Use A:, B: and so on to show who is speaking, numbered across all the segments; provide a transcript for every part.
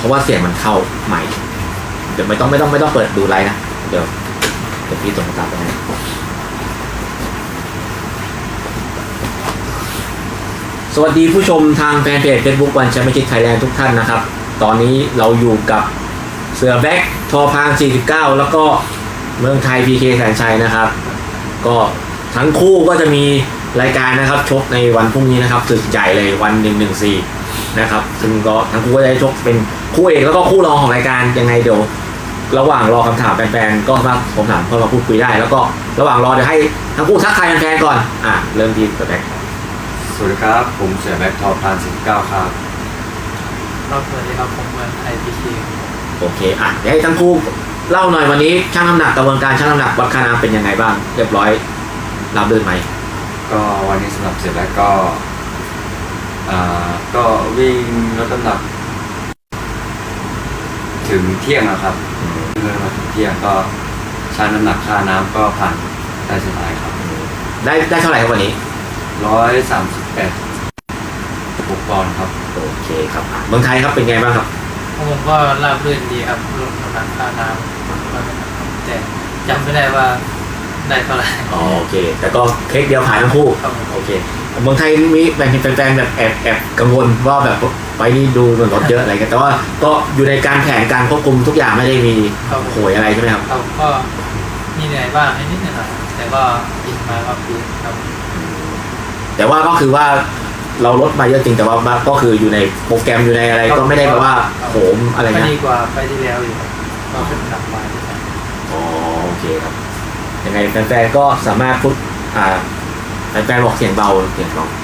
A: ราะว่าเสียงมันเข้าใหม่เดี๋ยวไม่ต้องเปิดดูไลน์นะเดี๋ยวพี่ส่งตามไปให้สวัสดีผู้ชมทางแฟนเพจ Facebook วันแชมเปี้ยนชิพไทยแลนด์ทุกท่านนะครับตอนนี้เราอยู่กับเสือแบ็คทอพาง49แล้วก็เมืองไทย PK แสนชัยนะครับก็ทั้งคู่ก็จะมีรายการนะครับชกในวันพรุ่งนี้นะครับศึกใหญ่เลยวัน114นะครับซึ่งก็ทั้งคู่ก็จะได้ชกเป็นคู่เอกแล้วก็คู่รองของรายการยังไงเดี๋ยวระหว่างรอคำถามแฟนๆก็มาผมถามเพื่อมาพูดคุยได้แล้วก็ระหว่างรอเดี๋ยวให้ทั้งคู่ทักทายแฟนๆก่อนเริ่มที่เสือแบ็ค
B: สวัสดีครับผมเสือแบ็คทอพาง49ครับ
C: สวัสดีครับผมเมืองไทย PK
A: โอเคเดี๋ยวให้ทั้งคู่เล่าหน่อยวันนี้ชั่งน้ำหนักกระบวนการชั่งน้ำหนักวัดค่าน้ำเป็นยังไงบ้างเรียบร้อยรับเดินไหม
B: ก็วันนี้สำหรับเสือแบ็คก็วิ่งลดน้ำหนักถึงเที่ยงนะครับเมื่อมาถึงเที่ยงก็ชั่งน้ำหนักค่าน้ำก็ผ่านได้สบายครับ
A: ได้เท่าไหร่ครับวันนี้
B: 138.6 ปอนด์ครับ
A: โอเคครับเมืองไทยครับเป็นไงบ้างครับ
C: ผมก็ราบรื่นดีครับลดน้ำหนักค่าน้ำแต่จำไม่ได้ว่าได้เท่าไหร่
A: โอเคแต่ก็เค้กเดียวผ่านทั้งคู่โอเคเมืองไทยมีแฟนแบบแอบกังวลว่าแบบไปนี่ดูเหมือนรถเยอะอะไรกันแต่ว่าก็อยู่ในการแผนการควบคุมทุกอย่างไม่ได้มีโหยอะไรใช่ไหมครับ
C: ก็มีเหนื่อยบ้างนิดหน่อยแต่ก็กินมาก็คือครับ
A: แต่ว่าก็คือว่าเราลดมาเยอะจริงแต่ว่าก็คืออยู่ในโปรแกรมอยู่ในอะไรก็ไม่ได้แบบว่าโหมอะไรนะ
C: ดีกว่าไปที่แล้วอยู่ก็เป็นหนักมา
A: โอเคครับยังไงแฟนๆก็สามารถพูดแฟนๆบอกเสียงเบาเสียงน้อง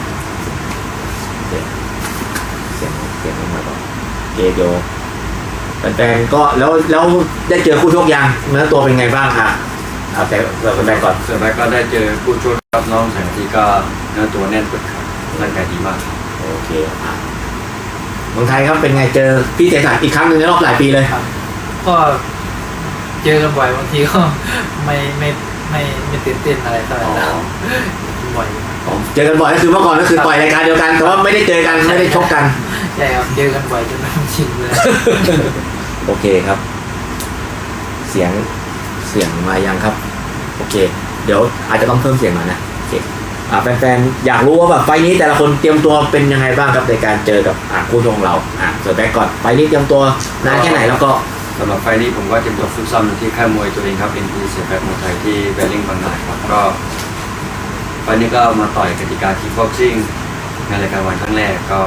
A: เสียงน้องมาก่อนเกโยแฟนๆก็แล้วได้เจอคู่ชกยังเนื้อตัวเป็นไงบ้างเอาแต่แฟนๆก่อน
B: เสือแบ็คก็ได้เจอคู่ชกครับน้องแสงทีก็เนื้อตัวแน่นปึกครับร่างกายดีมาก
A: โอเคเมืองไทยครับเป็นไงเจอพี่เสกสรรอีกครั้งหนึ่งในรอบหลายปีเลย
C: ก็เจอกันบ่อยบางทีก็ไม่ตื่นเต้นอะไรเท่าไหร่บ่อย
A: เจอกันบ่อยก็คือเมื่อก่อนก็คือต่อยรายการเดียวกันแต่ว่าไม่ได้เจอกันไม่ได้ชกกัน
C: ใช่ครับเจอกันบ่อยจนมันชินเลย
A: โอเคครับเสียงมายังครับโอเคเดี๋ยวอาจจะต้องเพิ่มเสียงหน่อยนะโอเคแฟนๆอยากรู้ว่าแบบไฟนี้แต่ละคนเตรียมตัวเป็นยังไงบ้างครับในการเจอกับคู่ชกของเราเสือแบ็คก่อนไฟนี้เตรียมตัวนานแค่ไหนแล้วก็
B: สำหรับไฟนี้ผมก็เตรียมตัวฝึกซ้อมอยู่ที่ค่ายมวยตัวเองครับเป็นที่เสือแบ็คมวยไทยที่แบลลิงบางนาครับก็ไฟนี้ก็มาต่อยกติกาคิกบ็อกซิ่งในรายการวันครั้งแรกก็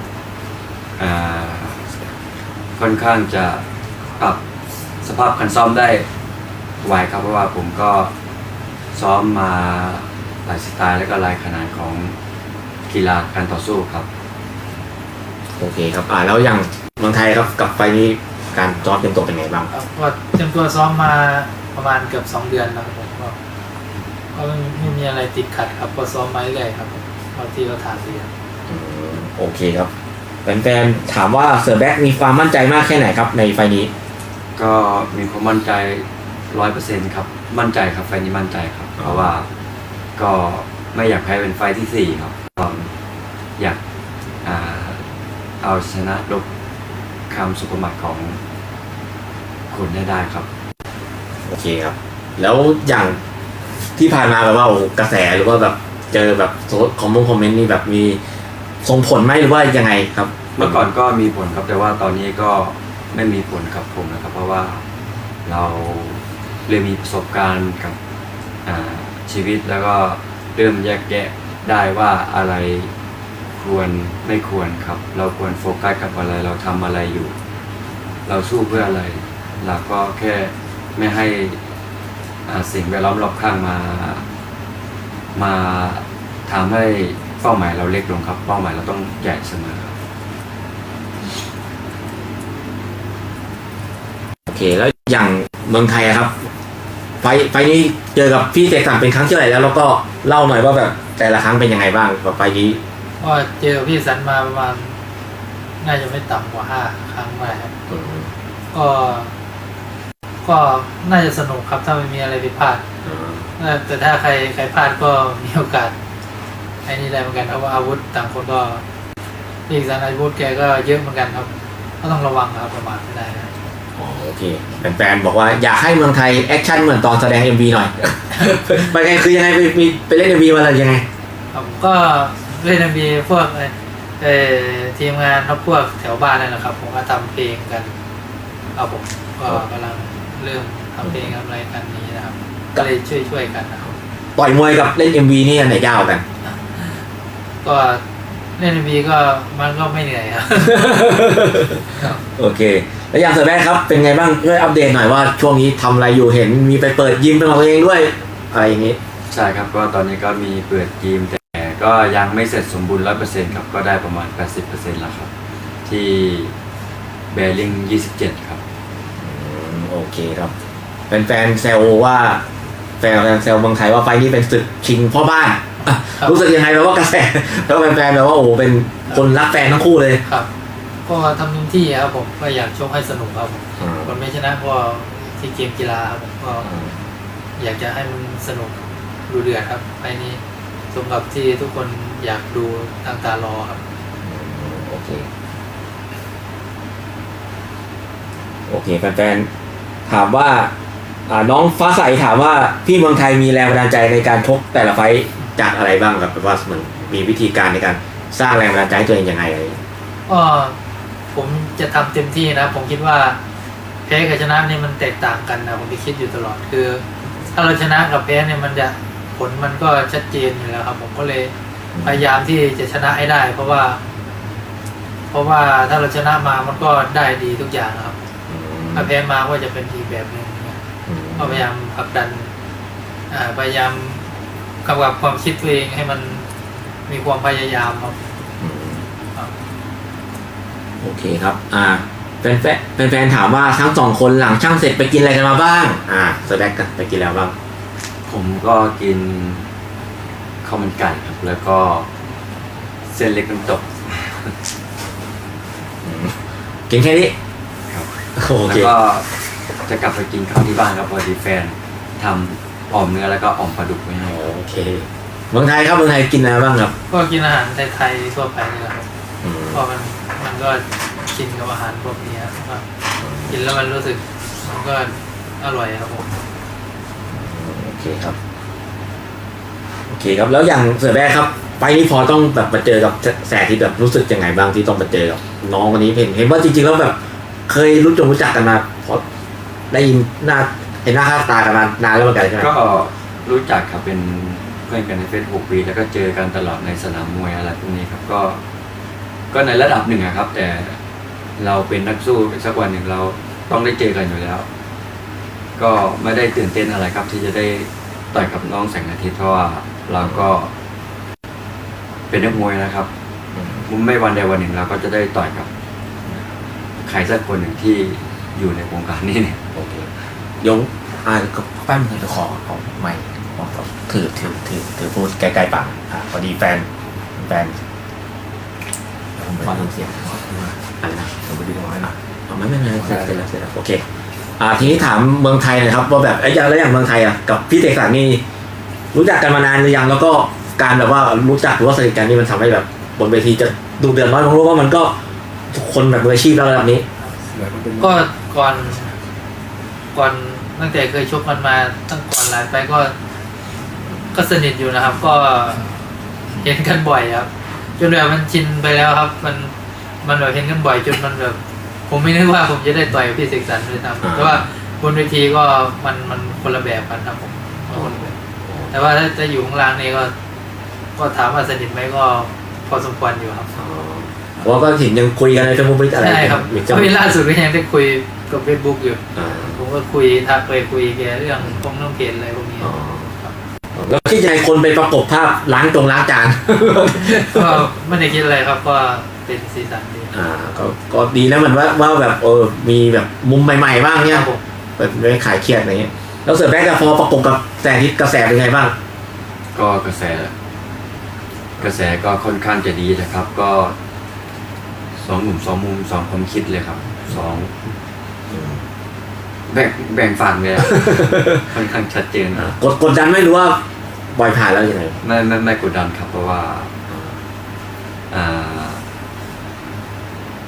B: ค่อนข้างจะปรับสภาพการซ้อมได้ไวครับเพราะว่าผมก็ซ้อมมาหลายสไตล์และก็หลายขนาดของกีฬาการต่อสู้ครับ
A: โอเคครับแล้วอย่างเมืองไทยครับกับไฟนี้การซ้อมเตรียมตัวเป็นไงบ้าง
C: ก็เตรียมตัวซ้อมมาประมาณเกือบ2 เดือนแล้วครับผมก็ไม่มีอะไรติดขัดครับก็ซ้อมมาเรื่อยครับที่เราถามเรียน
A: โอเคครับแฟนๆถามว่าเสือแบ็คมีความมั่นใจมากแค่ไหนครับในไฟนี้
B: ก็มีความมั่นใจ 100% ครับมั่นใจครับไฟนี้มั่นใจครับเพราะว่าก็ไม่อยากแพ้เป็นไฟที่4ครับอยากเอาชนะลบคำสุภาพของคุณได้ครับ
A: โอเคครับแล้วอย่างที่ผ่านมาแบบว่ากระแสหรือว่าแบบเจอแบบคอมเมนต์นี่แบบมีส่งผลไหมหรือว่ายังไงครับ
B: เมื่อก่อนก็มีผลครับแต่ว่าตอนนี้ก็ไม่มีผลกับผมนะครับเพราะว่าเราเริ่มมีประสบการณ์กับชีวิตแล้วก็เริ่มแยกแยะได้ว่าอะไรควรไม่ควรครับเราควรโฟกัสกับอะไรเราทำอะไรอยู่เราสู้เพื่ออะไรเราก็แค่ไม่ให้สิ่งแวดล้อมรอบข้างมาทำให้เป้าหมายเราเล็กลงครับเป้าหมายเราต้องใหญ่เสมอครับ
A: โอเคแล้วอย่างเมืองไทยครับไฟนี้เจอกับพี่เสกสรรเป็นครั้งที่เท่าไหร่แล้วก็เล่าหน่อยว่าแบบแต่ละครั้งเป็นยังไงบ้างกับไฟนี้
C: ก็เจอพี่สันมาประมาณน่าจะไม่ต่ำกว่า5 ครั้งได้ครับก็น่าจะสนุกครับถ้าไม่มีอะไรผิดพลาดแต่ถ้าใครพลาดก็มีโอกาสไอ้นี่ได้เหมือนกันเพราะว่าอาวุธต่างคนก็พี่สันอาวุธแกก็เยอะเหมือนกันครับก็ต้องระวังครับประมาทไม่ได้นะ
A: อ๋อโอเคแฟนๆบอกว่าอยากให้เมืองไทยแอคชั่นเหมือนตอนแสดง MV หน่อย ไปไงคือยังไงไปเล่น MV มาอะไรยังไง
C: ผมก็เล่นมีพวกทีมงานครับพวกแถวบ้านนั่นแหละครับผมก็ทำเพลงกันครับผมก็กำลังเริ่มทำเพลงทำอะไรกันนี้นะครับก็เลยช่วยกันนะครับ
A: ต่อยมวยกับเล่น MV นี่อันไหนยาวกัน
C: ก็เล่นมีก็มันก็ไม่เหนื่อยครับ
A: โอเค แล้วอย่างเสือแบ๊กครับเป็นไงบ้างช่วยอัปเดตหน่อยว่าช่วงนี้ทำอะไรอยู่เห็นมีไปเปิดยิมเป็นของตัวเองด้วยอะไรอย่างนี้
B: ใช่ครับก็ตอนนี้ก็มีเปิดทีมแต่ก็ยังไม่เสร็จสมบูรณ์ 100% ครับก็ได้ประมาณ 80% แล้วครับที่เบลลิง27 ครับ
A: โอเคครับแฟนๆแซวว่าแฟนแซวเมืองไทยว่าไฟล์นี้เป็นศึกชิงพ่อบ้านอ่ะ
C: ครับ
A: รู้สึกยังไงแบบว่ากระแสแล้วแฟนๆแบบว่าโอ้โหเป็นคนรักแฟนทั้งคู่เลย
C: ครับ ก็ทำเต็มที่ครับผมก็อยากชกให้สนุกครับผมคนไม่ชนะก็ที่เกมกีฬาครับผมก็อยากจะให้มันสนุกดูเดือดครับไปนี้สมกับที่ทุกคนอยากดูตั้งตารอครับ
A: โอเคโอเคแฟนๆถามว่าน้องฟ้าใสถามว่าพี่เมืองไทยมีแรงบันดาลใจในการชกแต่ละไฟต์จากอะไรบ้างครับแบบว่ามันมีวิธีการในการสร้างแรงบันดาลใจให้ตัวเองยังไงอะไรอย่างเงี้ย
C: ก็ผมจะทำเต็มที่นะผมคิดว่าแพ้กับชนะนี่มันแตกต่างกันนะผมจะคิดอยู่ตลอดคือ ถ้าเราชนะกับแพ้เนี่ยมันจะผลมันก็ชัดเจนอยู่แล้วครับผมก็เลยพยายามที่จะชนะให้ได้ เพราะว่าถ้าเราชนะมามันก็ได้ดีทุกอย่างครับถ้าแพ้มาก็จะเป็นอีกแบบหนึ่งเนี่ยก็พยายามผลักดันพยายามกำกับความคิดตัวเองให้มันมีความพยายามครับ
A: โอเคครับแฟนๆถามว่าทั้งสองคนหลังช่างเสร็จไปกินอะไรกันมาบ้างสแต็กกันไปกินแล้วบ้าง
B: ผมก็กินข้าวมันไก่ครับแล้วก็เส้นเล็กน้ำตก
A: กินแค่นี้
B: ครับ
A: โอ
B: แล้ว
A: เค
B: ก็จะกลับไปกินข้าวที่บ้านครับพอดีแฟนทำอ่อมเนื้อแล้วก็อ่อมปลาดุกไว้ให้
A: โอเคเมืองไทยครับเมืองไทยกินอะไรบ้างครับ
C: ก็กินอาหารไทยๆทั่วไปนี่แหละครับ
A: อืม
C: เพราะมันก็กินกับอาหารพวกนี้ครับกินแล้วมันรู้สึกมันก็อร่อยครับผม
A: โอเคครับโอเคครับแล้วอย่างเสือแบ๊กครับไปนี้พอต้องแบบมาเจอกับแสที่แบบรู้สึกยังไงบ้างที่ต้องมาเจอกับน้องคนนี้เห็นว่าจริงๆแล้วแบบเคยรู้จักกันมาเพราะได้ยินหน้าเห็นหน้าค่าตากันมานานแล้วเหมือนกันใช่ไหม
B: ก็รู้จักครับเป็นเพื่อนกันใน Facebook ปีแล้วก็เจอกันตลอดในสนามมวยอะไรพวกนี้ครับก็ในระดับหนึ่งอะครับ แต่เราเป็นนักสู้สักวันหนึ่งเราต้องได้เจอกันอยู่แล้ว ก็ไม่ได้ตื่นเต้นอะไรครับ ที่จะได้ต่อยกับน้องแสงอาทิตย์เพราะว่าเราก็เป็นนักมวยนะครับไม่วันใดวันหนึ่งเราก็จะได้ต่อยกับใครสักคนหนึ่งที่อยู่ในวงการนี้เนี่ย
A: โอเคยงก็แป๊บนึงจะขอไม่ถือพูดใกล้ๆปากพอดีแฟนฟังเสียงอะไรนะผมไปดูตรงนั้นไม่เสร็จแล้วโอเคทีนี้ถามเมืองไทยหน่อยครับว่าแบบอย่างเมืองไทยกับพี่เสกสรรนี่รู้จักกันมานานหรือยังแล้วก็การแบบว่ารู้จักหรือว่าสนิทกันนี่มันทำให้แบบบนเวทีจะดูเดือดร้อนผมรู้ว่ามันก็ทุกคนแบบมืออาชีพแล้วระดับนี้
C: ก็ก่อนตั้งแต่เคยชกกันมาตั้งก่อนหลายไปก็สนิทอยู่นะครับ ก็เห็นกันบ่อยครับจนแบบมันชินไปแล้วครับ มันแบบเห็นกันบ่อยจนมันแบบ ผมไม่นึกว่าผมจะได้ต่อยกับพี่เสกสรรเลยครับเพราะว่าบนเวทีก็มันคนละแบบกันครับผมคนละแบบแต่ว่าถ้าจะอยู่ข้างล่างนี่ก็ถามว่าสนิทไหมก็พอสมควรอยู่ครับ
A: เพราะก็เห็นยังคุยกันในเฟซบุ๊กอะไร
C: ใช่ครับก็มีล่าสุดก็ยังได้คุยกับเฟซบุ๊กอยู่ผมก็ทักไปคุยแกเรื่องพวกเรื่องเพจอะไรพวกนี้
A: แล้วคิดยังไงคนไปประกบภาพล้างจาน
C: ก็ไม่ได้คิดอะไรครับก็เป็นสีสันดี
A: ก็ดีนะมันว่าแบบมีแบบมุมใหม่ๆบ้างเนี่ย
C: ครับผม
A: แบบไม่ขายเครียดอะไรเงี้ยแล้วเสือแบ๊กกับพอประกบกับแสงอาทิตย์กระแสเป็นไงบ้าง
B: ก็กระแสก็ค่อนข้างจะดีนะครับ ก็สองหนุ่มสองมุมสองความคิดเลยครับแบ่งฝั่งเลยอะ ค่อนข้างชัดเจน
A: กดดันไม่รู้ว่าบอยผ่านแล้วยังไง
B: ไม่กดดันครับ เพราะว่า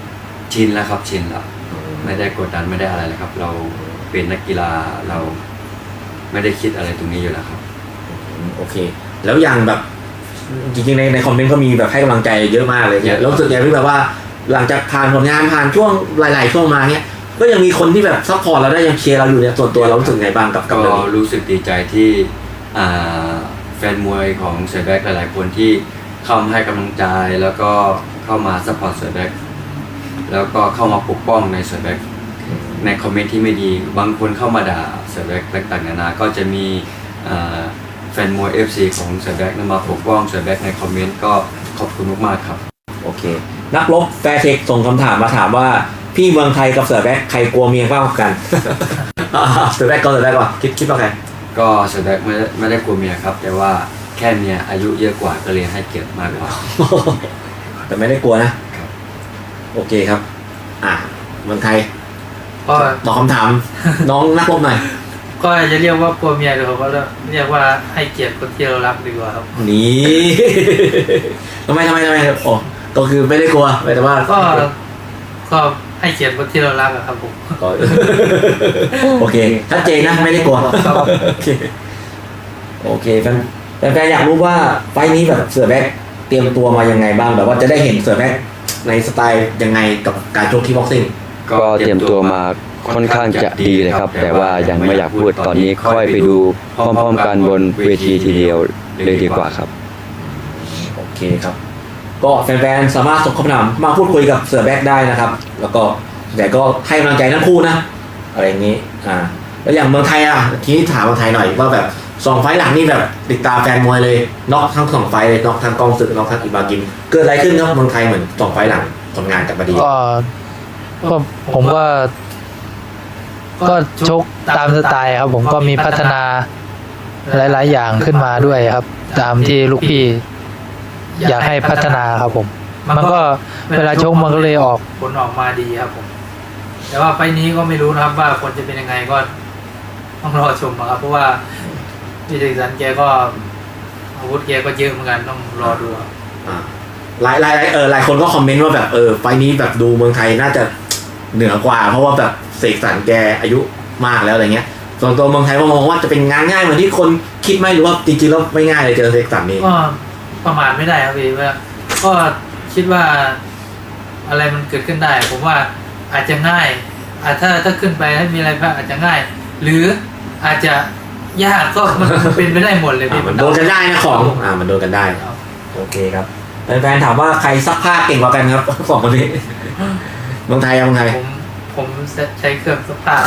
B: ชินแล้วครับชินแล้วไม่ได้กดดันไม่ได้อะไรเลยครับ เราเป็นนักกีฬาเราไม่ได้คิดอะไรตรงนี้อยู่แล้วครับ
A: โอเค แล้วอย่างแบบจริงๆในคอมเมนต์ก็มีแบบให้กำลังใจเยอะมากเลยเนี่ยแล้วรู้สึกไงที่แบบว่าหลังจากผ่านผลงานผ่านช่วงหลายๆช่วงมาเนี่ยก็ยังมีคนที่แบบซัพพอร์ตเราได้ยังเชียร์เราอยู่เนี่ยส่วนตัวเรารู้สึกไงบ้างกับ
B: ก็
A: เรื่องนี้
B: รู้สึกดีใจที่อ่าแฟนมวยของเสือแบ็คหลายๆคนที่เข้ามาให้กำลังใจแล้วก็เข้ามาซัพพอร์ตเสือแบ็คแล้วก็เข้ามาปกป้องในเสือแบ็คในคอมเมนต์ที่ไม่ดีบางคนเข้ามาด่าเสือแบ็คต่างๆนานาก็จะมีแฟนมวย FC ของเสือแบ็คมาปกป้องเสือแบ็คในคอมเมนต์ก็ขอบคุณมากๆครับ
A: โอเค นักรบแฟร์เทคส่งคำถามมาถามว่าพี่เมืองไทยกับเสือแบ็คใครกลัวเมียมากกว่ากัน เสือแบ็คก่อนคิดว่าใคร
B: ก็เสือแบ็คไม่ได้กลัวเมียครับ แต่ว่าแค่เมียอายุเยอะกว่าก็เลยให้เกียรติมากกว่า
A: แต่ไม่ได้กลัวนะครับ โอเคครับ เมืองไทย
C: ก็
A: ตอบคำถาม น้องนักรบหน่อย
C: ก็จะเรียกว่ากลัวเมียหรือเขาก็เรียกว่าให้เกียรติคนที่เรารักดีกว่าครับ
A: นี่ ทำไมโอ้ก็คือไม่ได้กลัวแต่ว่า
C: ก็ให้เกียรติคนที่เรารักอะครับผม
A: ก็ โอเคชัดเจนนะไม่ได้กลัว
C: ครับ
A: โอเคแฟนๆอยากรู้ว่าไฟล์นี้แบบเสือแบ็คเตรียมตัวมายังไงบ้างแบบว่าจะได้เห็นเสือแบ็คในสไตล์ยังไงกับการชกที่บ็อกซิ่ง
D: ก็เตรียมตัวมาค่อนข้างจะดีเลยครับ แต่ว่ายังไม่อยากพูดตอนนี้ค่อยไปดูพร้อมๆกันบนเวทีทีเดียวเลยดีกว่าครับ
A: โอเคครับ ก็แฟนๆสามารถส่งคำถามมาพูดคุยกับเสือแบ็คได้นะครับ แล้วก็แต่ก็ให้กำลังใจทั้งคู่นะอะไรอย่างนี้แล้วอย่างเมืองไทยทีนี้ถามเมืองไทยหน่อยว่าแบบ2 ไฟล์หลังนี่แบบติดตามแฟนมวยเลยน็อกทั้ง2 ไฟล์เลยน็อกทั้งกองศึกน็อกทั้งอิบากิมเกิดอะไรขึ้นครับเมืองไทยเหมือน2 ไฟล์หลังผลงานกลับมาดี
E: ก็ผมก็ชกตามสไตล์ครับ ผมก็มีพัฒนาหลายๆอย่างขึ้นมาด้วยครับ ตามที่ลูกพี่อยากให้พัฒนาครับผม มันก็เวลาชกมันก็เลยออก
C: ผลออกมาดีครับผม แต่ว่าไฟล์นี้ก็ไม่รู้นะครับว่าผลจะเป็นยังไงก็ต้องรอชมนะครับ เพราะว่าพี่เจสันแกก็อาวุธแกก็เยอะเหมือนกันต้องรอดูครับ
A: หลายคนก็คอมเมนต์ว่าแบบไฟล์นี้แบบดูเมืองไทยน่าจะเหนือกว่า เพราะว่าแบบเสกสรรแกอายุมากแล้วอะไรเงี้ยส่วนตัวเมืองไทยก็มองว่าจะเป็นงานง่ายเหมือนที่คนคิดไหมหรือว่าจริงๆแล้วไม่ง่ายเลยเจอเสกสรรนี่
C: ก็ประมาทไม่ได้ครับพี่ว่าก็คิดว่าอะไรมันเกิดขึ้นได้ ผมว่าอาจจะง่ายถ้าขึ้นไปให้มีอะไรพลาดอาจจะง่าย หรืออาจจะยากก็มันเป็นไปได้หมดเลยพี่
A: มันโดนกันได้นะของมันโดนกันได้
C: ครับ
A: โอเคครับแฟนๆถามว่าใครซักผ้าเก่งกว่ากันครับ สองคนนี้เมืองไทย
C: ผมใช้เครื่องซักผ้า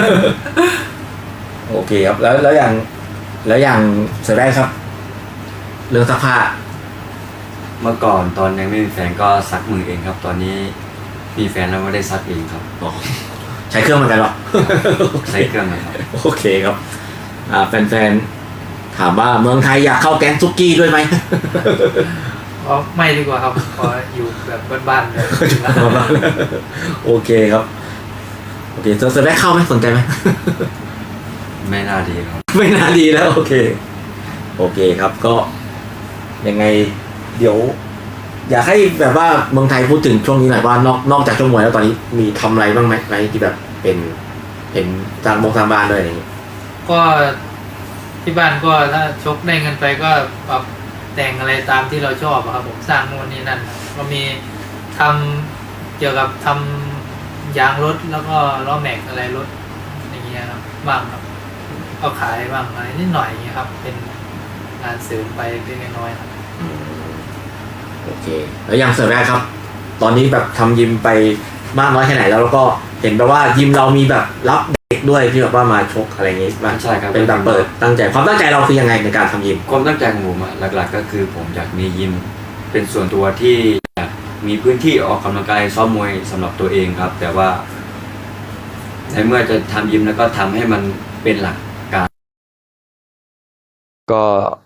A: โอเคครับแล้วอย่างเสือแรกครับ เรื่องซักผ้า
B: เมื่อก่อนตอนยังไม่มีแฟนก็ซักมือเองครับ ตอนนี้มีแฟนแล้วไม่ได้ซักเองครับ
A: ใช้เครื่องเหมือนกันหรอ
B: ใช้เครื่องนะครับ
A: โอเคครับแฟนๆถามว่าเมืองไทยอยากเข้าแก๊งซุกี้ด้วยไหม
C: ไม่ดีกว่าครับขออยู่แบบบ้านๆเลย
A: โอเคครับโอเคเสือแรกเข้าไหมสนใจไหม
B: ไม่น่าดีครับ
A: ไม่น่าดีแล้วโอเคครับก็ยังไงเดี๋ยว อยากให้แบบว่าเมืองไทยพูดถึงช่วงนี้หน่อยว่านอกจากช่วงมวยแล้วตอนนี้มีทำอะไรบ้างไหมอะไรที่แบบเป็นเห็นทางบ้านด้วยอะไรอย่างงี้
C: ก็ที่บ้านก็ถ้าชกได้เงินไปก็ปรับแต่งอะไรตามที่เราชอบอะครับผมสร้างนู่นนี่นั่นก็มีทำเกี่ยวกับทำยางรถแล้วก็ล้อแม็กอะไรรถอย่างเงี้ยครับบ้างครับก็ขายบ้างอะไรนิดหน่อยอย่างเงี้ยครับ เป็นงานเสริมไปเล็กๆน้อยๆครับ
A: โอเคแล้วอย่างเสือแรกครับ ตอนนี้แบบทำยิมไปมากน้อยแค่ไหนแล้วก็เห็นแบบว่ายิมเรามีแบบรับเด็กด้วยที่แบบว่ามาชกอะไรอย่างงี้บ้าง
B: ใช่ครับ
A: เป็นแบบเปิดความตั้งใจเราคือยังไงในการทำยิม
B: ความตั้งใจของผมหลักๆก็คือผมอยากมียิมเป็นส่วนตัวที่อยากมีพื้นที่ออกกำลังกายซ้อมมวยสำหรับตัวเองครับ แต่ว่าในเมื่อจะทำยิมแล้วก็ทำให้มันเป็นหลักการ
D: ก็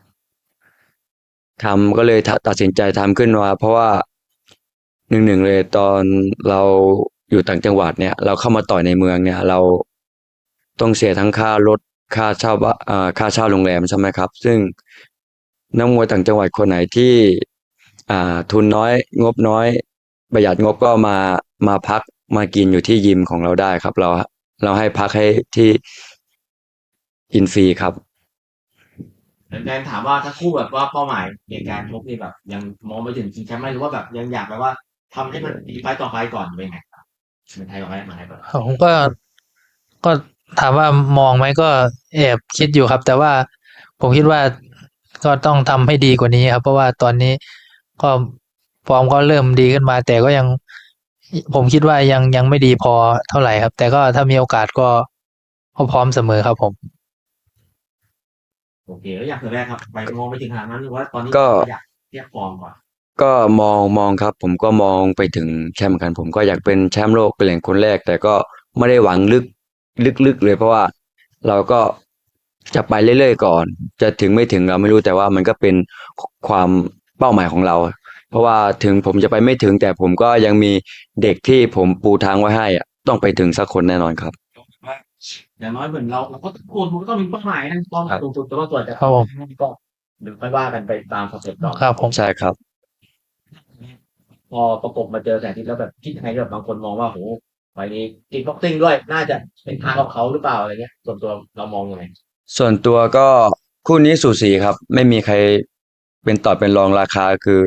D: ก็เลยตัดสินใจทำขึ้นมาเพราะว่าหนึ่งเลยตอนเราอยู่ต่างจังหวัดเนี่ย เราเข้ามาต่อยในเมืองเนี่ย เราต้องเสียทั้งค่ารถค่าเช่าค่าเช่าโรงแรมใช่ไหมครับ ซึ่งนักมวยต่างจังหวัดคนไหนที่ทุนน้อยงบน้อยประหยัดงบก็มามาพักมากินอยู่ที่ยิมของเราได้ครับ เราให้พักให้ที่กินฟรีครับ
A: แฟนๆถามว่าถ้าคู่แบบว่าเป้าหมายในการชกนี่แบบยังมองไปถึงชิงแชมป์ไหมหรือว่าแบบยังอยากแบบว่าทำให้มันดีไฟต์ต่อไฟต์ก่อนเป็นไงครับเป็นไทยก่อนไหมมาไทยก่อน
E: ผมก็ถามว่ามองไหมก็แอบคิดอยู่ครับ แต่ว่าผมคิดว่าก็ต้องทำให้ดีกว่านี้ครับ เพราะว่าตอนนี้ก็ฟอร์มก็เริ่มดีขึ้นมา แต่ก็ยังผมคิดว่ายังไม่ดีพอเท่าไหร่ครับ แต่ก็ถ้ามีโอกาสก็พร้อมเสมอครับผม
A: โอเคแล้วอยากเสริมแรกครับไปมองไปถึงขนาดนั้นหรือว่าตอนนี้
D: ก็
A: อยากเรียกฟอร์มก่อน
D: ก็มองครับ ผมก็มองไปถึงแชมป์กัน ผมก็อยากเป็นแชมป์โลกเป็นเหรียญคนแรก แต่ก็ไม่ได้หวังลึกเลย เพราะว่าเราก็จะไปเรื่อยๆก่อน จะถึงไม่ถึงเราไม่รู้แต่ว่ามันก็เป็นความเป้าหมายของเรา เพราะว่าถึงผมจะไปไม่ถึง แต่ผมก็ยังมีเด็กที่ผมปูทางไว้ให้อะต้องไปถึงสักคนแน่นอนครับ
A: อย่างน้อยเหมือนเราก็ทุกคนมันก็ต้องมีเป้าหมายนะเป้าหมายสูงสุดแต่ว่าส่วนจะ
E: ครับผม
A: ก็เดี๋ยวค่อยว่ากันไปตามสเต็ปก่อน
E: ครับผม
D: ใช่ครับ
A: พอประกบมาเจอแสงอาทิตย์แล้วแบบคิดยังไงแบบบางคนมองว่าโหไฟล์นี้กินบ็อกซิ่งด้วยน่าจะเป็นทางของเขาหรือเปล่าอะไรเงี้ยส่วนตัวเรามองยังไง
D: ส่วนตัวก็คู่นี้สูสีครับ ไม่มีใครเป็นต่อเป็นรองราคาคือ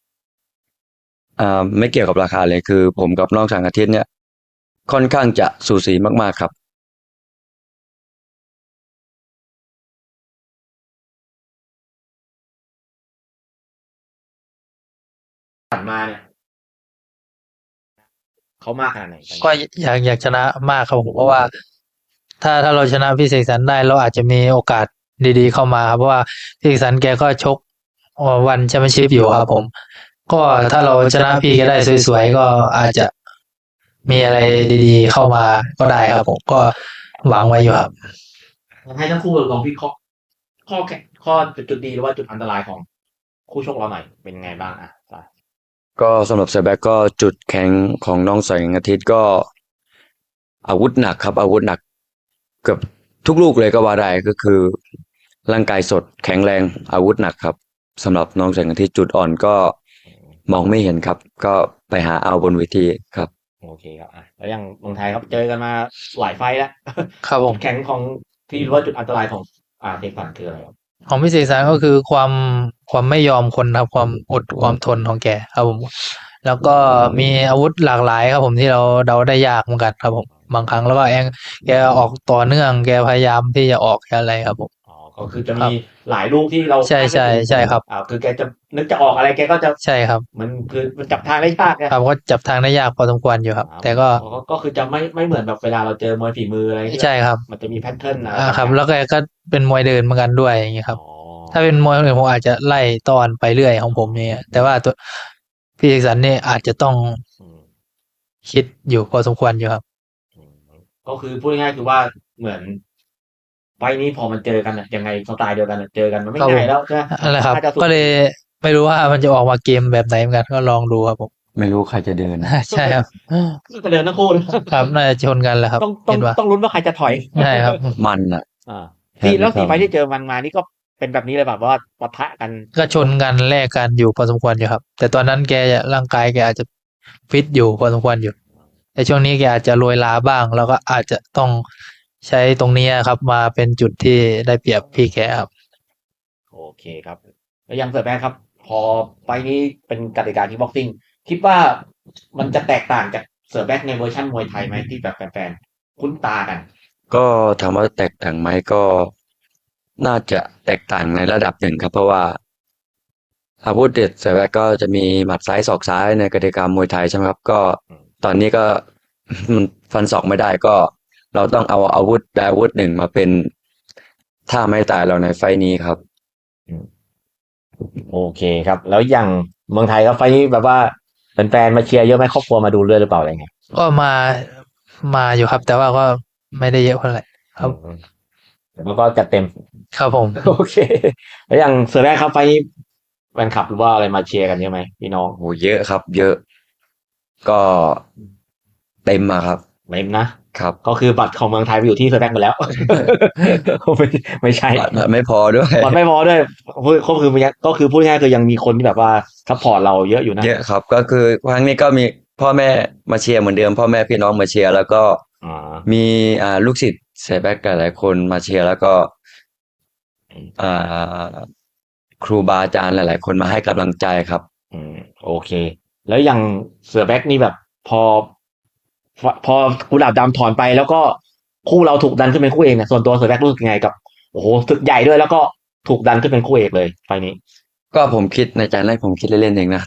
D: ไม่เกี่ยวกับราคาเลยคือ ผมกับน้องแสงอาทิตย์เนี่ย ค่อนข้างจะสูสีมากๆครับ
A: ผ่านมาเนี่ยเขามากขนาดไหน
E: ก็อยากชนะมากครับผมเพราะว่า ถ้าเราชนะพี่เสกสรรได้เราอาจจะมีโอกาสดีๆเข้ามาครับเพราะว่าพี่เสกสรรแกก็ชกวันแชมเปี้ยนชิพอยู่ครับผม ก็ถ้าเราชนะพี่แกได้สวยๆก็อาจจะมีอะไรดีๆเข้ามาก็ได้ครับผมก็หวังไว้อยู่ครับ
A: ให้ทั้งคู่ลองวิเคราะห์ข้อจุดดีหรือว่าจุดอันตรายของคู่ชกเราหน่อยเป็นไงบ้างอ่ะ
D: ก็สำหรับเซแบ็กก็จุดแข็งของน้องแสงอาทิตย์ก็อาวุธหนักครับ อาวุธหนักเกือบทุกลูกเลยก็ว่าได้ก็คือ ร่างกายสดแข็งแรงอาวุธหนักครับสำหรับน้องแสงอาทิตย์จุดอ่อนก็มองไม่เห็นครับ ก็ไปหาเอาบนเวทีครับ
A: โอเคครับอ่ะแล้วอย่างเมืองไทยครับเจอกันมาหลายไฟล์แล้ว
E: ครับผม
A: แข็งของที่รู้ว่าจุดอันตรายของเด็กฝันคืออะไรครับ
E: ของพี่เสกสรรก็คือความไม่ยอมคนครับความอดความทนของแกครับผม แล้วก็มีอาวุธหลากหลายครับผมที่เราเดาได้ยากเหมือนกันครับผมบางครั้งแล้วก็แกออกต่อเนื่องแกพยายามที่จะออกอะไรครับผม
A: อ๋อก็คือจะมีหลายลูกที่เรา
E: ใช่ครับ
A: คือแกจะนึกจะออกอะไรแกก็จะ
E: ใช่ครับ
A: มันจับทางได้ยากนะครับ
E: ก็จับทางได้ยากพอสมควรอยู่ครับ แต่ก็
A: ก็คือจะไม่เหมือนแบบเวลาเราเจอมวยฝีมืออะไรที่
E: ใช่ครับ
A: มันจะมีแพทเทิร์นอะไร
E: ครับ แล้วแกก็เป็นมวยเดินเหมือนกันด้วยอย่างเงี้ยครับ
A: อ๋อ
E: ถ้าเป็นมวยคนอื่นผมอาจจะไล่ตอนไปเรื่อยของผมเนี่ยแต่ว่าตัวพี่เสกสรรเนี่ยอาจจะต้อง
A: อืม
E: คิดอยู่พอสมควรอยู่ครับ
A: ก็คือพูดง่ายๆคือว่าเหมือนไฟล์นี้พอมันเจอกันอะยังไงสไตล์เดียวกันอะเจอกันมันไม่
E: ครับผม
A: ง่ายแล้วใช่ไหม
E: อะไรครับ
A: น่าจะสุด
E: ก็เลยไม่รู้ว่ามันจะออกมาเกมแบบไหนเหมือนกันก็ลองดูครับผม
D: ไม่รู้ใครจะเดิน
E: ใช่ครับ
A: ก็เดินทั้งคู่เลย
E: ครับน่าจะชนกันแหละครับ
A: ต้อง
E: คิดว่า
A: ต้องลุ้นว่าใครจะถอย
E: ใช่ครับ
D: มันอ่ะ
A: อ่า
D: แค่นี้
A: แล้ว
D: ครั
A: สี่
D: บ
A: ไฟล์ที่เจอมันมานี่ก็เป็นแบบนี้เลยแบบว่าปะทะกัน
E: ก็ชนกันแลกกันอยู่พอสมควรอยู่ครับ แต่ตอนนั้นแกร่างกายแกอาจจะฟิตอยู่พอสมควรอยู่ แต่ช่วงนี้แกอาจจะโรยลาบ้าง แล้วก็อาจจะต้องใช้ตรงนี้ครับ มาเป็นจุดที่ได้เปรียบพี่แกครับ
A: โอเคครับ แล้วยังเสิร์ฟแบงครับ พอไฟล์นี้เป็นกติกาที่บ็อกซิ่งคิดว่ามันจะแตกต่างจากเสิร์ฟแบ็กในเวอร์ชันมวยไทยไหมที่แบบแฟนๆคุ้นตากัน
D: ก็ถามว่าแตกต่างไหมก็น่าจะแตกต่างในระดับหนึ่งครับ เพราะว่าอาวุธเด็ดเสร็จแล้วก็จะมีหมัดซ้ายศอกซ้ายในกติกามวยไทยใช่ไหมครับ ก็ตอนนี้ก็ มันฟันศอกไม่ได้ก็ เราต้องเอาอาวุธใดอาวุธหนึ่งมาเป็นท่าไม้ตายเราในไฟต์นี้ครับ
A: โอเคครับ แล้วอย่างเมืองไทยก็ไฟล์นี้แบบว่าแฟนๆมาเชียร์เยอะไหมครอบครัวมาดูด้วยหรือเปล่าอะไรเงี้ย
E: ก็มาอยู่ครับ แต่ว่าก็ไม่ได้เยอะเท่าไหร่ ครับ
A: แล้วก็จัดเต็ม
E: ครับผม
A: โอเค แล้วอย่างเสือแรกครับไฟล์นี้แฟนคลับหรือว่าอะไรมาเชียร์กันเยอะไหมพี่น้อง
D: โหเยอะครับ เยอะ ก็เต็มมาครับ
A: เต็มนะ
D: ครับ
A: ก็คือบัตรของเมืองไทยไปอยู่ที่เสือแรกหมดแล้ว ไม่ใช่
D: บัตรไม่พอด้วย
A: บัตรไม่พอด้วยก็คือพูดง่ายๆคือยังมีคนที่แบบว่าซัพพอร์ตเราเยอะอยู่นะ
D: เยอะครับ ก็คือครั้งนี้ก็มีพพ่อแม่มาเชียร์เหมือนเดิมพ่อแม่พี่น้องมาเชียร์แล้วก็
A: อ๋อ
D: มีลูกศิษย์เสียแบ็กหลายๆคนมาเชียร์แล้วก็อ่าครูบาอาจารย์หลายๆคนมาให้กำลังใจครับ
A: อืมโอเค แล้วอย่างเสือแบ็กนี่แบบพอกุหลาบดำถอนไปแล้วก็คู่เราถูกดันขึ้นเป็นคู่เอกเนี่ยส่วนตัวเสือแบ็กรู้สึกยังไงกับโอ้โหศึกใหญ่ด้วยแล้วก็ถูกดันขึ้นเป็นคู่เอกเลยไฟล์นี้
D: ก็ผมคิดในใจแรกผมคิดเล่นๆเองนะ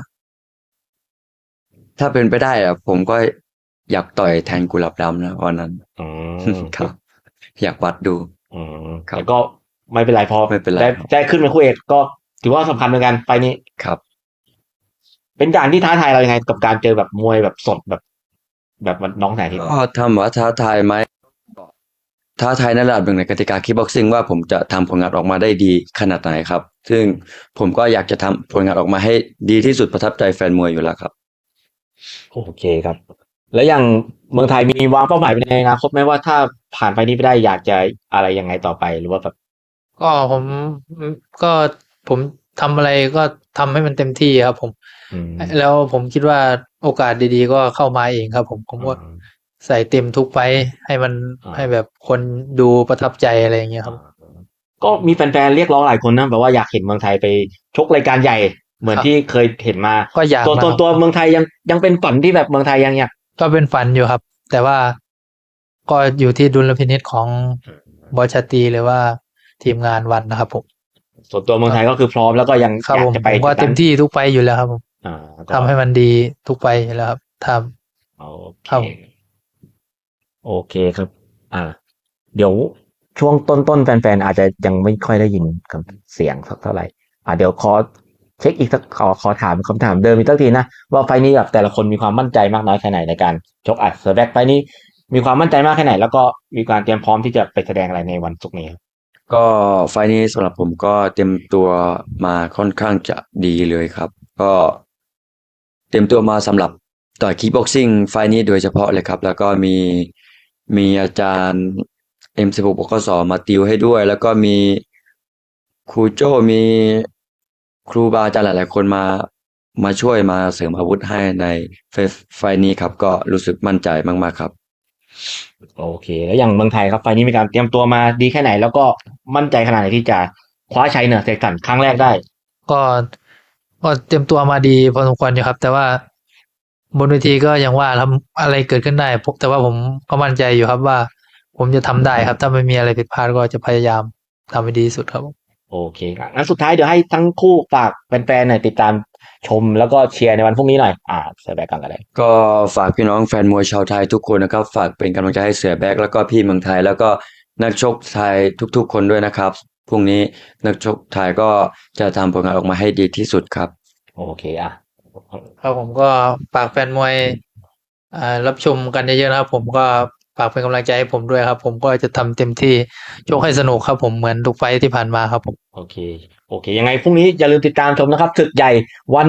D: ถ้าเป็นไปได้อะผมก็อยากต่อยแทนกุหลาบดำนะวันนั้น
A: อืม
D: ครับ อยากวัดดู
A: อืม
D: ครับ
A: แต่ก็ไม่เป็นไรพอ
D: ไม่เป็นไร
A: ได้ขึ้นเป็นคู่เอกก็ถือว่าสำคัญเหมือนกันไฟล์นี้
D: ครับ
A: เป็นการที่ท้าทายเรายังไงกับการเจอแบบมวยแบบสดแบบน้องแสนทิพย์
D: ก็ทำว่าท้าทายไหมท้าทายในระดับหนึ่งในกติกาคิกบ็อกซิ่งว่าผมจะทำผลงานออกมาได้ดีขนาดไหนครับ ซึ่งผมก็อยากจะทำผลงานออกมาให้ดีที่สุดประทับใจแฟนมวยอยู่แล้วครับ
A: โอเคครับ แล้วอย่างเมืองไทยมีวางเป้าหมายไปในอนาคตไหมว่าถ้าผ่านไปนี้ไปได้อยากจะอะไรยังไงต่อไปหรือว่าแบบ
E: ก็ก็ผมทำอะไรก็ทำให้มันเต็มที่ครับผม
A: อืม
E: แล้วผมคิดว่าโอกาสดีๆก็เข้ามาเองครับผมก็ใส่เต็มทุกไฟท์ให้มัน
A: อ่า
E: ให้แบบคนดูประทับใจอะไรอย่างเงี้ยครับ
A: ก็มีแฟนๆเรียกร้องหลายคนนะแบบว่าอยากเห็นเมืองไทยไปชกรายการใหญ่ เหมือน
E: ครับ
A: ที่เคยเห็นมา
E: ก็อยาก
A: ตัว
E: นะครับ
A: เมืองไทยยังเป็นฝันที่แบบเมืองไทยยังอยาก
E: ก็เป็นฝันอยู่ครับ แต่ว่าก็อยู่ที่ดุลพินิจของบอสชาตรีหรือว่าทีมงานวันนะครับผม
A: ส่วนตัวเมืองไทยก็คือพร้อมแล้วก็ยัง
E: ครับ
A: อยา
E: ผ
A: ก
E: ม
A: จะไป
E: ผมก็เต็มที่ทุกไฟท์อยู่แล้วครับผม
A: อ่าก็
E: ทำให้มันดีทุกไฟท์อยู่แล้วครับท
A: โอเค
E: ครับ
A: โอเคครับ อ่า เดี๋ยวช่วงต้นแฟนๆอาจจะยังไม่ค่อยได้ยินกับเสียงสักเท่าไหร่ เดี๋ยวขอเช็คอีกสักขอถามคำถามเดิมอีกสักทีนะว่าไฟล์นี้แบบแต่ละคนมีความมั่นใจมากน้อยแค่ไหนในการชกเซอร์แบ็กไฟล์นี้มีความมั่นใจมากแค่ไหน แล้วก็มีการเตรียมพร้อมที่จะไปแสดงอะไรในวันศุกร์นี้ครับ
D: ก็ไฟล์นี้สำหรับผมก็เตรียมตัวมาค่อนข้างจะดีเลยครับ ก็เตรียมตัวมาสำหรับต่อยคิกบ็อกซิ่งไฟล์นี้โดยเฉพาะเลยครับ แล้วก็มีอาจารย์ M16 บกสมาติวให้ด้วย แล้วก็มีครูโจ้มีครูบาอาจารย์หลายๆคนมาช่วยมาเสริมอาวุธให้ในไฟล์นี้ครับ ก็รู้สึกมั่นใจมากๆครับ
A: โอเค แล้วอย่างเมืองไทยครับไฟล์นี้มีการเตรียมตัวมาดีแค่ไหน แล้วก็มั่นใจขนาดไหนที่จะคว้าชัยเหนือเสกสรรครั้งแรกได้
E: ำก็เตรียมตัวมาดีพอสมควรอยู่ครับ แต่ว่าบนเวทีก็ยังว่าทำอะไรเกิดขึ้นได้แต่ว่าผมก็มั่นใจอยู่ครับว่า ผมจะทำได้ครับ ถ้าไม่มีอะไรผิดพลาดก็จะพยายามทำให้ดีที่สุดครับ
A: โอเคครับงั้นสุดท้ายเดี๋ยวให้ทั้งคู่ฝากแฟนๆหน่อยติดตามชมแล้วก็เชียร์ในวันพรุ่งนี้หน่อยเสือแบ็กกันเลย
D: ก็ฝากพี่น้องแฟนมวยชาวไทยทุกคนนะครับ ฝากเป็นกำลังใจให้เสือแบ็กแล้วก็พี่เมืองไทย แล้วก็นักชกไทยทุกๆ คนด้วยนะครับพรุ่งนี้นักชกไทยก็จะทำผลงานออกมาให้ดีที่สุดครับ
A: โอเค
E: ครับผมก็ฝากแฟนมวยรับชมกันเยอะๆนะครับ ผมก็ฝากเป็นกำลังใจให้ผมด้วยครับ ผมก็จะทำเต็มที่ชกให้สนุกครับ ผมเหมือนทุกไฟท์ที่ผ่านมาครับผม
A: โอเคยังไงพรุ่งนี้อย่าลืมติดตามชมนะครับศึกใหญ่วัน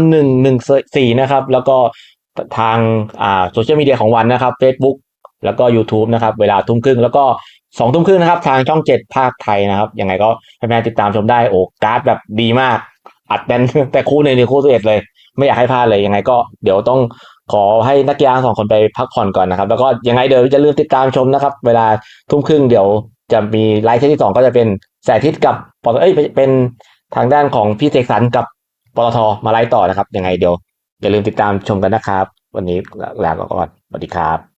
A: 114นะครับ แล้วก็ทางโซเชียลมีเดียของวันนะครับ Facebook แล้วก็ YouTube นะครับเวลา 20:30 แล้วก็20:30นะครับทางช่อง7ภาคไทยนะครับยังไงก็แฟนๆติดตามชมได้การ์ดแบบดีมากอัดแน่น แต่คู่หนึ่งคู่11เลยไม่อยากให้พลาดเลยยังไงก็เดี๋ยวต้องขอให้นักกีฬา2คนไปพักผ่อนก่อนนะครับแล้วก็ยังไงเดี๋ยวอย่าลืมติดตามชมนะครับเวลา 20:30เดี๋ยวจะมีไลฟ์ที่2ก็จะเป็นแสนอาทิตย์กับเป็นทางด้านของพี่เสกสรรกับปตทมาไลฟ์ต่อนะครับยังไงเดี๋ยวอย่าลืมติดตามชมกันนะครับวันนี้ลาก่อนสวัสดีครับ